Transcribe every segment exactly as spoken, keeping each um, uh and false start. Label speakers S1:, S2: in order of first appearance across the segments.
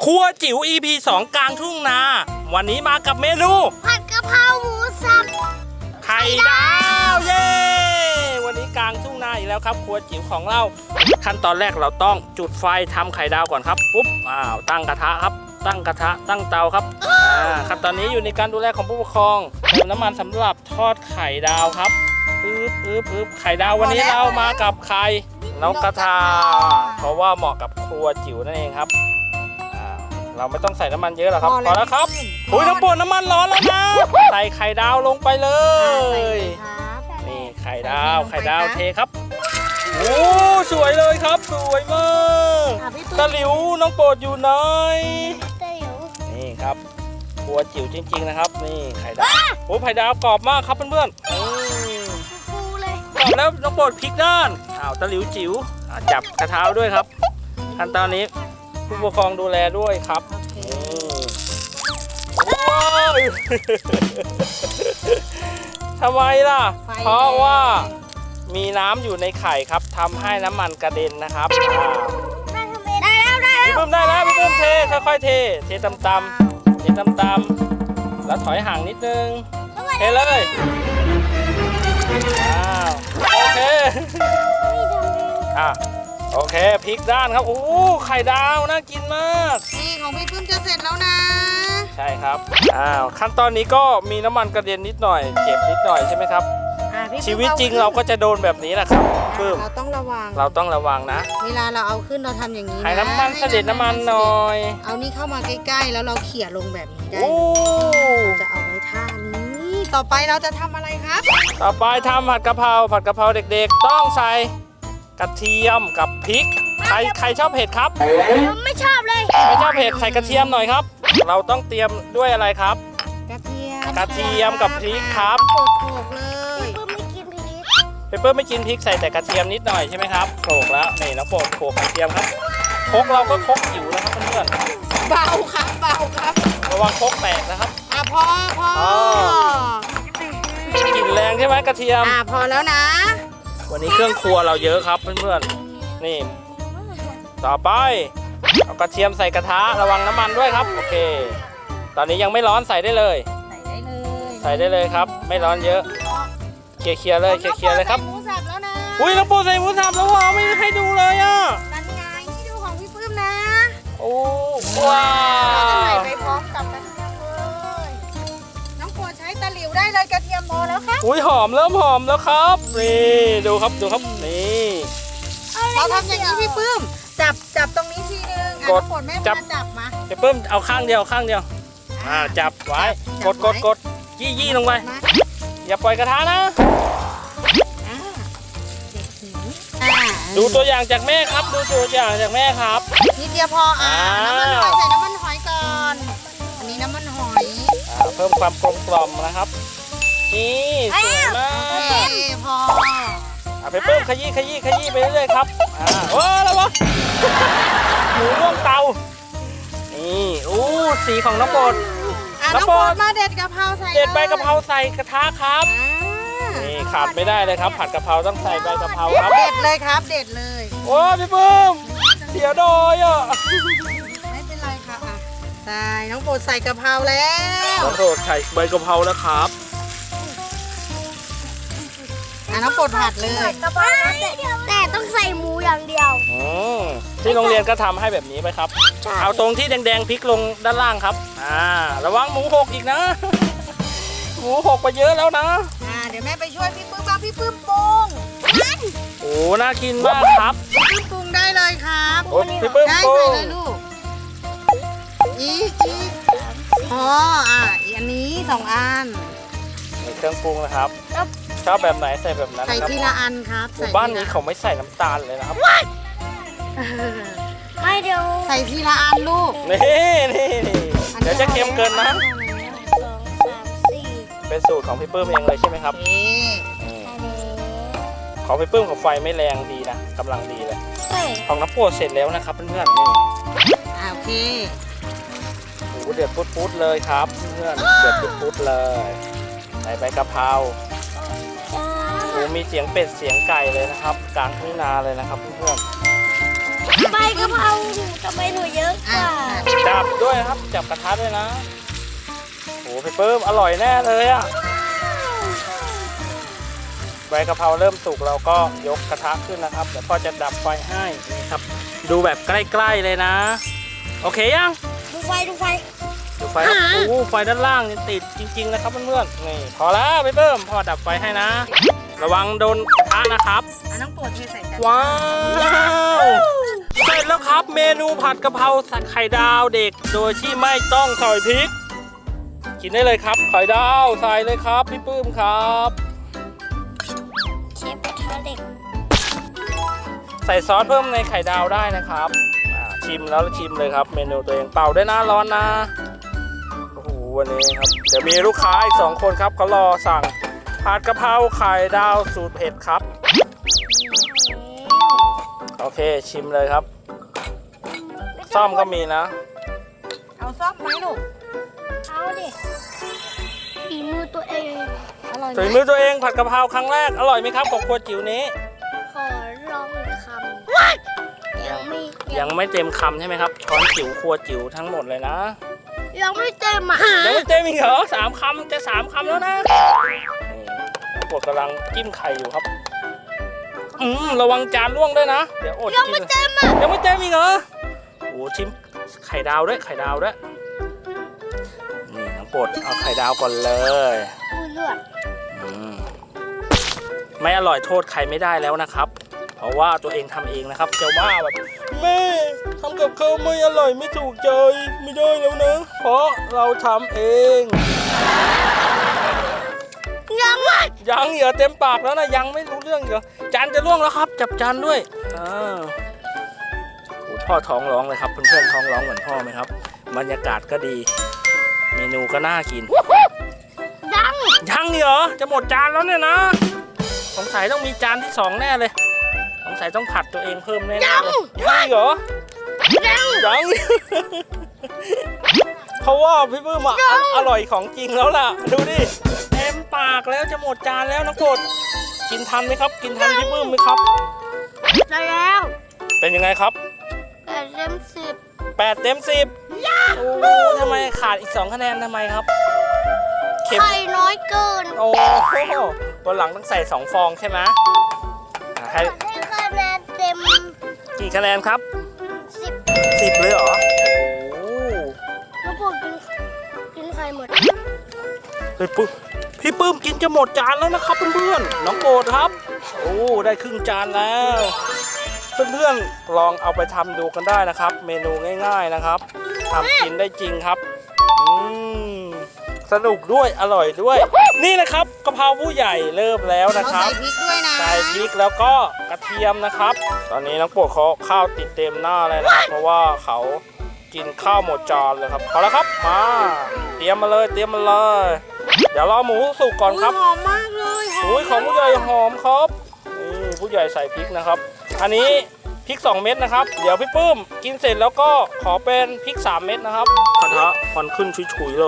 S1: ครัวจิ๋ว อี พี สองกลางทุ่งนาวันนี้มากับเมนู
S2: ผัดกะเพราหมูสับ
S1: ไข่ดาวเย้วันนี้กลางทุ่งนาอีกแล้วครับครัวจิ๋วของเราขั้นตอนแรกเราต้องจุดไฟทำไข่ดาวก่อนครับปุ๊บอ้าวตั้งกระทะครับตั้งกระทะตั้งเตาครับอ่าขั้นตอนนี้อยู่ในการดูแลของผู้ปกครองเติมน้ำมันสำหรับทอดไข่ดาวครับปึ๊บปึ๊บปึ๊บไข่ดาววันนี้เรามากับไข่นกกระทาเพราะว่าเหมาะกับครัวจิ๋วนั่นเองครับเราไม่ต้องใส่น้ำมันเยอะหรอกครับพอแล้วครับอุ้ยน้ำปนน้ำมันร้อนแล้วนะใส่ไข่ดาวลงไปเลยนี่ไข่ดาวไข่ดาวเทครับโอ้สวยเลยครับสวยมากตะหลิวน้องโปรดอยู่ไหนนี่ครับครัวจิ๋วจริงๆนะครับนี่ไข่ดาวโอ้ไข่ดาวกรอบมากครับเพื่อนๆ
S2: ฟูเลย
S1: กรอบแล้วน้องโปรดพลิกด้านอ้าวตะหลิวจิ๋วจับกระทะด้วยครับขั้นตอนนี้ผู้ปกครองดูแลด้วยครับว้าวทำไมล่ะเพราะว่ามีน้ำอยู่ในไข่ครับทำให้น้ำมันกระเด็นนะครับ
S2: ได้แล้วได้แล้ว
S1: พี่เพิ่มได้แล้วพี่เพิ่มเทค่อยๆเทเทตำๆเทตำๆแล้วถอยห่างนิดนึงเทเลยอ้าวโอเคอ่ะโอเคพลิกด้านครับโอ้ไข่ดาวน่ากินมาก
S3: นี่ของพี่ปื้มจะเสร็จแล้วนะ
S1: ใช่ครับอ้าวขั้นตอนนี้ก็มีน้ำมันกระเด็นนิดหน่อยเจ็บนิดหน่อยใช่ไหมครับชีวิตจริงเราก็จะโดนแบบนี้แหละครับปื้ม
S3: เราต้องระวัง
S1: เราต้องระวังนะ
S3: เวลาเราเอาขึ้นเราทำอย่างนี้
S1: ให้น้ำมันเสด็จน้ำมันหน่อย
S3: เอานี่เข้ามาใกล้ๆแล้วเราเขี่ยลงแบบนี้ได้เราจะเอาไว้ท่านี้ต่อไปเราจะทำอะไรครับ
S1: ต่อไปทำผัดกะเพราผัดกะเพราเด็กๆต้องใส่กระเทียมกับพริกใครใครชอบเผ็ดครับ
S2: ไม่ชอบเลย
S1: ไม่ชอบเผ็ดใส่กระเทียมหน่อยครับเราต้องเตรียมด้วยอะไรครับ
S3: กระเทียม
S1: กระเทียมกับพริกครับ
S3: โขลกเลย
S2: เพิ่มไม่กินพริก
S1: เปเปอร์ไม่กินพริกใส่แต่กระเทียมนิดหน่อยใช่ไหมครับโขลกแล้วนี่น้องโปรดโขลกกระเทียมครับครกเราก็ครกจิ๋วนะครับเพื่อน
S3: เบาครับเบาครับ
S1: ระวังครกแตกนะครับ
S3: อ่ะพอพ
S1: อกลิ่นแรงใช่ไหมกระเทียม
S3: อ่ะพอแล้วนะ
S1: วันนี้เครื่องครัวเราเยอะครับเพื่อนๆนี่ต่อไปเอากระเทียมใส่กระทะระวังน้ำมันด้วยครับโอเคตอนนี้ยังไม่ร้อนใส่ได้เลย
S3: ใส่ได้เลย
S1: ใส่ได้เลยครับไม่ร้อนเยอะเคลียร์ๆเลยเคลียร์ๆเลยครับ
S3: หมูสับแล้วนะ
S1: อุ้ยน้องโปรใส่หมูสับแล้วว้าวไม่ให้ดูเลยอ่ะ
S3: นั่นไงนี่ดูของพี่ปื้มนะ
S1: โอ้ว้าว
S3: เราจะใส่ไปพร้อมกับกระเทียมเลยน้องโปรดใช้ตะหลิวได้เลยกระเทียมพอแล้วครับ
S1: อุ้ยหอมเริ่มหอมแล้วครับนี่ดูครับดูครับนี่
S3: เราทำอย่างนี้พี่ปื้มจับจับตรงนี้ทีนึงกดกดแม่จับจับมา
S1: พี่ปื้มเอาข้างเดียวข้างเดียวอ่าจับไว้กดกดกดยี่ยี่ลงไปอย่าปล่อยกระทะนะดูตัวอย่างจากแม่ครับดูตัวอย่างจากแม่ครับ
S3: นิดเดียวพออ่าน้ำมันหอยใส่น้ำมันหอยก่อนอันนี้น้ำมันหอย
S1: เพิ่มความกลมกล่อมนะครับนี่สวยมาก
S3: พอ
S1: ไปเพิ่มขยี้ขยี้ขยี้ไปเรื่อยๆครับอ่าโอ้แล้ววะหมูร่วงเตานี่อู้สีของน้ำโปรด
S3: น้ำโปรดมาเด็ดกะเพราใส่
S1: เด็ดใบกะเพราใส่กระทะครับนี่ขาดไม่ได้เลยครับผัดกะเพราต้องใส่ใบกะเพราครับ
S3: เด็ดเลยครับเด็ดเลย
S1: โอ้พี่เพิ่มเสียดอยอ่ะ
S3: ไม่เป็นไรค่ะอ่ะใส่น้องโปรดใส่กะเพราแล้ว
S1: น้องโปรดใส่ใบกะเพราแล้วครับ
S3: น้ำโปรดผัดเลย
S2: แต่ต้องใส่หมูอย่างเดียว
S1: ที่โรงเรียนก็ทำให้แบบนี้ไปครับเอาตรงที่แดงๆพลิกลงด้านล่างครับอ่าระวังหมูหกอีกนะหมูหกไปเยอะแล้วนะ
S3: อ่าเดี๋ยวแม่ไปช่วยพี่ปื้มบ้างพี่ปื้มปรุง
S1: โอ้น่ากินมากครับ
S3: พี่ปื้มปรุงได้เลยครับ
S1: พี่ปื้ม
S3: ได้ใส่เลยลูกอีอีอ๋ออ่ะอีอันนี้สองอัน
S1: มีเครื่องปรุงนะครับชอบแบบไหนใส่แบบนั้น
S3: ใส่ทีละอันครับ
S1: หมู่บ้านนี้เขาไม่ใส่น้ำตาลเลยนะครับ
S2: ไม่เดี๋ยว
S3: ใส่ทีละอันลูก
S1: นี่นี่เดี๋ยวจะเค็มเกินนะเป็นสูตรของพี่ปื้มเองเลยใช่ไหมครับของพี่ปื้มกับไฟไม่แรงดีนะกำลังดีเลยของน้ำโปรดเสร็จแล้วนะครับเพื่อนๆนี่
S3: โอเค
S1: โอ้เดือดปุ๊ดๆเลยครับเพื่อนเดือดปุ๊ดๆเลยใส่ใบกะเพราโอ้มีเสียงเป็ดเสียงไก่เลยนะครับกลางทุ่งนาเลยนะครับเพื่อน
S2: ใบกะเพราทำไมหนูเยอะก
S3: อ่ะ
S2: ว่า
S1: จับด้วยครับจับกระทะด้วยนะโอ้พี่เปิ้มอร่อยแน่เลยอ่ะใบกะเพราเริ่มสุกเราก็ยกกระทะขึ้นนะครับเดี๋ยวพ่อจะดับไฟให้นี่ครับดูแบบใกล้ๆเลยนะโอเคยัง
S2: ดูไฟดูไฟ
S1: ดูไฟครับโอ้ไฟด้านล่างนี่ติดจริงๆนะครับเพื่อนๆนี่พอแล้วพี่เปิ้มพ่อดับไฟให้นะ ระวังโดนกระทะนะครับ
S3: อ่ะน้องโปรดเทใส่จาน
S1: ว้าวเสร็จแล้วครับเมนูผัดกะเพราใส่ไข่ดาวเด็กโดยที่ไม่ต้องใส่พริกกินได้เลยครับไข่ดาวใส่เลยครับพี่ปื้มครับ
S2: เชฟกระทะเหล็ก
S1: ใส่ซอสเพิ่มในไข่ดาวได้นะครับอ่าชิมแล้วชิมเลยครับเมนูตัวเองเป่าด้วยนะร้อนนะโอ้โหวันนี้ครับเดี๋ยวมีลูกค้าอีกสองคนครับเขารอสั่งผัดกะเพราไข่ดาวสูตรเผ็ดครับโอเคชิมเลยครับซ่อมก็มีนะ
S3: เอาซ่อมไหมลูก
S2: เอาดิฝีมือตัวเอง
S3: อร่อยไห
S1: ถึง
S3: ม
S1: มือตัวเองผัดกะเพราครั้งแรกอร่อยไหมครับของครัวจิ๋วนี้
S2: ขอลองอีกคำยังไม่
S1: ยังไม่เต็มคำใช่ไหมครับช้อนจิ๋วครัวจิ๋วทั้งหมดเลยนะ
S2: ยังไม่เต็มอ่ะ
S1: ยังไม่เต็มอีกเหรอสามคำจะสามคำแล้วนะนี่น้องปวดกำลังจิ้มไข่อยู่ครับอืมระวังจานร่วงด้วยนะเดี๋ยวอด
S2: ยัง
S1: กิ
S2: ไม่
S1: น
S2: เต็มอ่ะ
S1: ยังไม่เต็มอีกเหรอโอ้ชิมไข่ดาวด้วยไข่ดาวด้วยนี่น้องปวดเอาไข่ดาวก่อนเลย
S2: มือเลือด
S1: อืมไม่อร่อยโทษใครไม่ได้แล้วนะครับ เพราะว่าตัวเองทำเองนะครับจะว่าแบบแม่ทำกับข้าวไม่อร่อยไม่ถูกใจไม่ได้แล้วนะ เพราะเราทำเอง
S2: ยังอ่ะ
S1: ยังเหรอเต็มปากแล้วนะยังไม่รู้เรื่องเหรอจานจะล่วงแล้วครับ จับจานด้วยอ่าโอ้พ่อท้องร้องเลยครับเพื่อนๆท้องร้องเหมือนพ่อไหมครับบรรยากาศก็ดี เมนูก็น่ากิน
S2: ยัง
S1: ยังเหรอจะหมดจานแล้วเนี่ยนะสงสัยต้องมีจานที่สองแน่เลยสงสัยต้องผัดตัวเองเพิ่มแน่ๆเลยยังเหรอ
S2: ยัง
S1: ยัง เพราะว่าพี่ปื้มอะอร่อยของจริงแล้วล่ะดูดิเต็มปากแล้วจะหมดจานแล้วน้องกดกินทันไหมครับ กินทันพี่ปื้มไหมครับ
S2: ได้แล้ว
S1: เป็นยังไงครับ
S2: แต่เต็มสิบ
S1: แปดเต็มสิบโอ้ทำไมขาดอีกสองคะแนนทำไมครับเค็ม
S2: ไข่น้อยเกิน
S1: โอ้วันหลังต้องใส่สองฟองใช่ไหมอ่ะให้
S2: ให้คะแนนเต็ม
S1: กี่คะแนนครับ
S2: สิบ
S1: สิบเลยเหรอโอ้
S2: แล้วผมกินกินไข่หมด
S1: เฮ้ยปึ๊บพี่ปื้มกินจะหมดจานแล้วนะครับเพื่อนๆน้องโกรธครับโอ้ได้ครึ่งจานแล้วเพื่อนๆลองเอาไปทำดูกันได้นะครับ เมนูง่ายๆนะครับทำกินได้จริงครับอืมสนุกด้วยอร่อยด้วย นี่นะครับกะเพราผู้ใหญ่เริ่มแล้วนะ
S3: เรา
S1: ครับ
S3: ใส่พริกด้วยนะ
S1: ใส่พริกแล้วก็กระเทียมนะครับ ตอนนี้น้องโปรดเขาข้าวติดเต็มหน้าเลยนะครับ เพราะว่าเขากินข้าวหมดจานเลยครับเอาละครับมาเตรียมมาเลยเตรียมมาเลย เดี๋ยวรอหมูสุกก่อนครับ
S3: หอมมากเลยหอม
S1: อุ้ยของผู้ใหญ่หอมครับนี่ผู้ใหญ่ใส่พริกนะครับ อันนี้พริกสองเม็ดนะครับ เดี๋ยวพี่ปื้มกินเสร็จแล้วก็ขอเป็นพริกสามเม็ดนะครับกระทะควันขึ้นฉุยๆเลย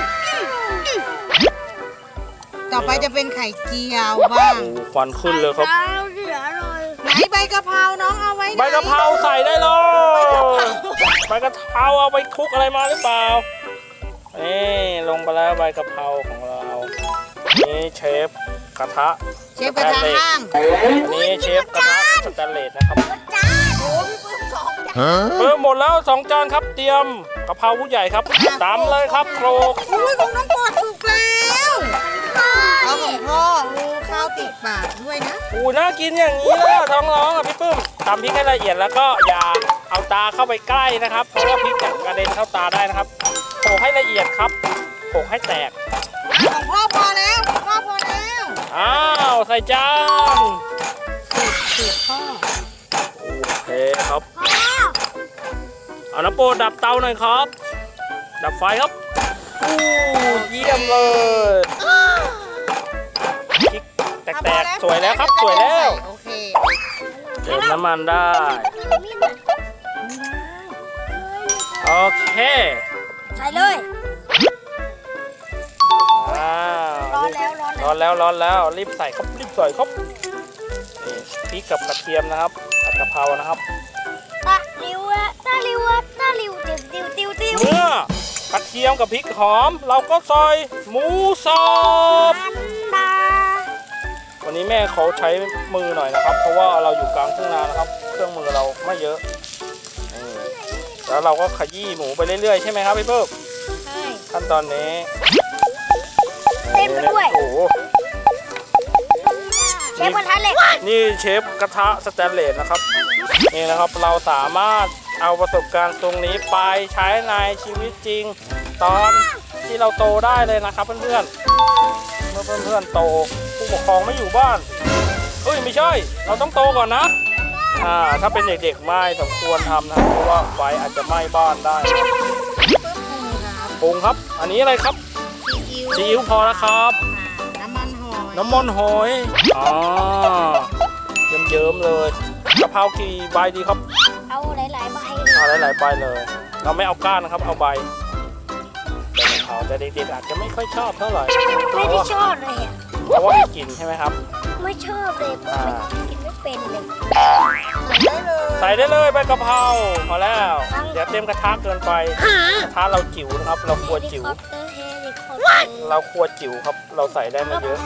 S3: ต่อไปจะเป็นไข่เจียวบ้าง
S1: โอ้ควันขึ้นเลยครับ
S2: ไข่ดาวเหลือเลย
S3: ไหนใบกะเพราน้องเอาไว้ไหน
S1: ใบกะเพราใส่ได้เลยใบกะเพราเอาไปคลุกอะไรมาหรือเปล่านี่ลงไปแล้วใบกะเพราของเรานี่เชฟกระทะ
S3: เชฟกระทะห้าง
S1: อันนี้เชฟกระทะสแตนเลสนะครับ
S2: จ้า
S3: โอ้พี่ปื้มสองจาน
S1: เออหมดแล้วสองจานครับเตรียมกะเพราผู้ใหญ่ครับตามเลยครับโครก
S3: อุ้ยของน้องโปรดสุกแล้วเอาของพ่อโอ้ข้าวติดปากด้วยนะ
S1: อู้น่ากินอย่างนี้เลยอะท้องร้องอ่ะพี่ปื้มตำพริกให้ละเอียดแล้วก็อย่าเอาตาเข้าไปใกล้นะครับเพราะว่าพริกจะกระเด็นเข้าตาได้นะครับโขลกให้ละเอียดครับโขลกให้แตก
S3: ของพ่อพอแล้วของพ่อพอแล้ว
S1: อ้าวใส่จาน
S3: สูตรพ่อ
S1: โอเคครับเอาน้ำโปรดดับเตาหน่อยครับ ดับไฟครับอู้เยี่ยมเลยพริกแตกๆสวยแล้วครับสวยแล้ว
S3: โอเค
S1: เติมน้ำมันได้ โอเค
S2: ใส่เลย
S1: อ้าว
S2: ร้อนแล้วร้อน
S1: ร้
S2: แล้
S1: อ
S2: วน
S1: แล้วร้อนแล้วรีบใส่ครับรีบใส่ครับนี่พริกกับกระเทียมนะครับผัดกะเพรานะครับ
S2: ลิวอะตาลิวติวติวติวติว
S1: เมื่อกระเทียมกับพริกหอม เราก็ซอยหมูสับ
S2: อันดา
S1: วันนี้แม่เขาใช้มือหน่อยนะครับ เพราะว่าเราอยู่กลางทุ่งนานะครับ เครื่องมือเราไม่เยอะอืมแล้วเราก็ขยี้หมูไปเรื่อยๆใช่ไหมครับพี่เพิ่ม
S2: ใช่
S1: ขั้นตอนนี้
S2: เต็มไปด้วย
S1: โอ้โห
S2: เชฟกระทะเหล็ก
S1: นี่เชฟกระทะสแตนเลสนะครับนี่นะครับเราสามารถเอาประสบการณ์ตรงนี้ไปใช้ในชีวิตจริง ตอนที่เราโตได้เลยนะครับเพื่อนๆเมื่อเพื่อนๆโตผู้ปกครองไม่อยู่บ้านเอ้ยไม่ใช่ เราต้องโตก่อนนะอ่าถ้าเป็นเด็กๆไม่สมควรทำนะเพราะว่าไฟอาจจะไหม้บ้านได้ปรุงครับ อันนี้อะไรครับ
S3: ซีอิ๊ว
S1: ซีอิ๊วพอแล้วครับ
S3: น้ำมันหอย
S1: น้ำมันหอยอ๋อเยิ้มๆเลยกะเพรากี่ใบดีครับ
S2: เอาหลายๆใบ
S1: เอาหลายๆใบเลย เราไม่เอาก้านนะครับ เอาใบแต่กะเพราแต่เด็กๆอาจจะไม่ค่อยชอบเท่าไหร่
S2: ไม่ได้ชอบเลยอ่ะ
S1: เพราะว่ามีกลิ่นใช่ไหมครับ
S2: ไม่ชอบเลยเพราะ
S1: อ่า
S2: กินไม่เป็นเลย
S3: ได้เลย
S1: ใส่ได้เลยใบกะเพราพอแล้วเดี๋ยวเต็มกระทะเกินไปกระทะเราจิ๋วนะครับ เราครัวจิ๋ว
S2: เฮลิคอปเตอร์เฮลิคอปเตอร์
S1: เราครัวจิ๋วครับ เราใส่ได้ไม่เยอะ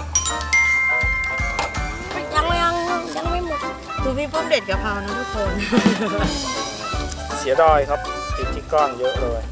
S2: ยังยังยังไม่หมด
S3: ดูพี่ปุ้มเด็ดกะเพรานะทุกคน
S1: เสียดายครับติดที่ก้อนเยอะเลย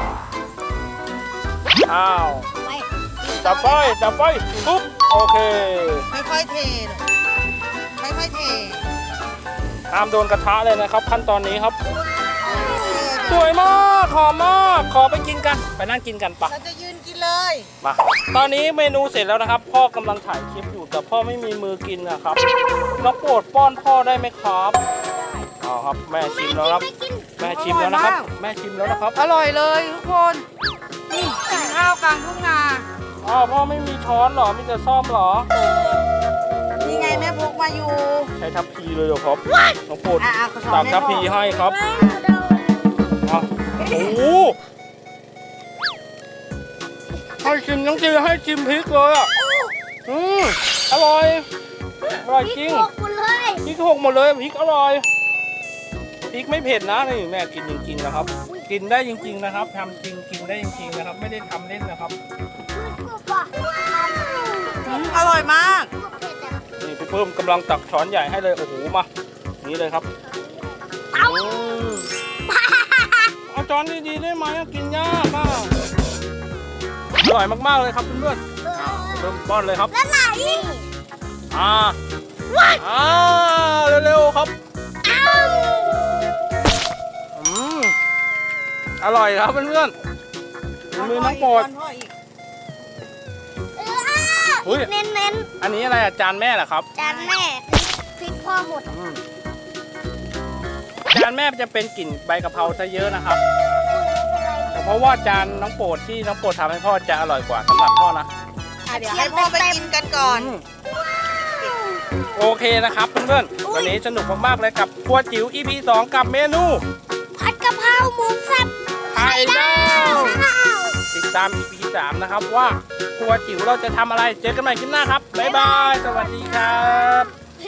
S1: อ้าว
S2: ไป
S1: ดับไฟดับไฟปุ๊บโอเค
S3: ค่อยๆเทค่อยๆเท
S1: ห้ามโดนกระทะเลยนะครับ ขั้นตอนนี้ครับ สวยมากหอมมากขอไปกินกันไปนั่งกินกันปะ
S3: เราจะยืนกินเลย
S1: มาตอนนี้เมนูเสร็จแล้วนะครับ พ่อกำลังถ่ายคลิปอยู่แต่พ่อไม่มีมือกินนะครับน้องโปรดป้อนพ่อได้ไหมครับเอาครับแม่ชิมแล้วครับ แม่ชิมแล้วนะครับ แม่ชิมแล้วนะครับ
S3: อร่อยเลยทุกคนนี่กินข้าวกลางทุ่งนา
S1: อ้าวพ่อไม่มีช้อนเหรอมีแต่ซ่อมเหรอ
S3: นี่ไงแม่พกมาอยู่
S1: ใช้ทัพพีเลยเหรอครับน้องโปรด
S3: อ่ะเอาขอช้อน
S1: ตัก
S3: ให้
S1: ทัพ
S3: พ่อ
S1: พีให้ครับอ่ะโอ้โหให้ชิมน้องจีให้ชิมพริกเลยอ่ะอืมอร่อยอร่อยจริง
S2: พวกคุณเลย
S1: พริกหกหมดเลยพริกอร่อยพริกไม่เผ็ดนะนี่แม่กินจริงๆนะครับ กินได้จริง ๆนะครับทำจริงกินได้จริงๆนะครับ ไม่ได้ทำเล่นนะครับ
S3: อืมอร่อยมาก
S1: นี่พี่เพิ่มกำลังตักช้อนใหญ่ให้เลยโอ้โหมานี่เลยครับอืมเอาช้อนดีๆได้ไหมกินยากมากอร่อยมากๆเลยครับเพื่อนๆอ่าเริ่มป้อนเลยครับ
S2: แล้วไหน
S1: อ่าอ่าเร็วๆครับอืมอร่อยครับเพื่อนๆมือน้องโปรด
S3: พ่ออีก
S1: อุ๊ย
S2: เน้นเน้น
S1: อันนี้อะไรอาจารย์แม่เหรอครับ
S2: ๆจานแม่พริกพ่อหมด
S1: อืมจานแม่จะเป็นกลิ่นใบกะเพราซะเยอะนะครับแต่เพราะว่าจานน้องโปรดที่น้องโปรดทำให้พ่อจะอร่อยกว่าสำหรับพ่อนะ
S3: อ่ะเดี๋ยวให้พ่อไปกินกันก่อน
S1: อืมโอเคนะครับเพื่อนๆวันนี้สนุกมากๆเลยกับครัวจิ๋ว อี พี สองกับเมนู
S2: ผัดกะเพราหมูสับ
S1: ไข่ดาวติดตาม อี พี สามนะครับว่าครัวจิ๋วเราจะทำอะไรเจอกันใหม่คลิปหน้าครับบ๊ายบายสวัสดีครับ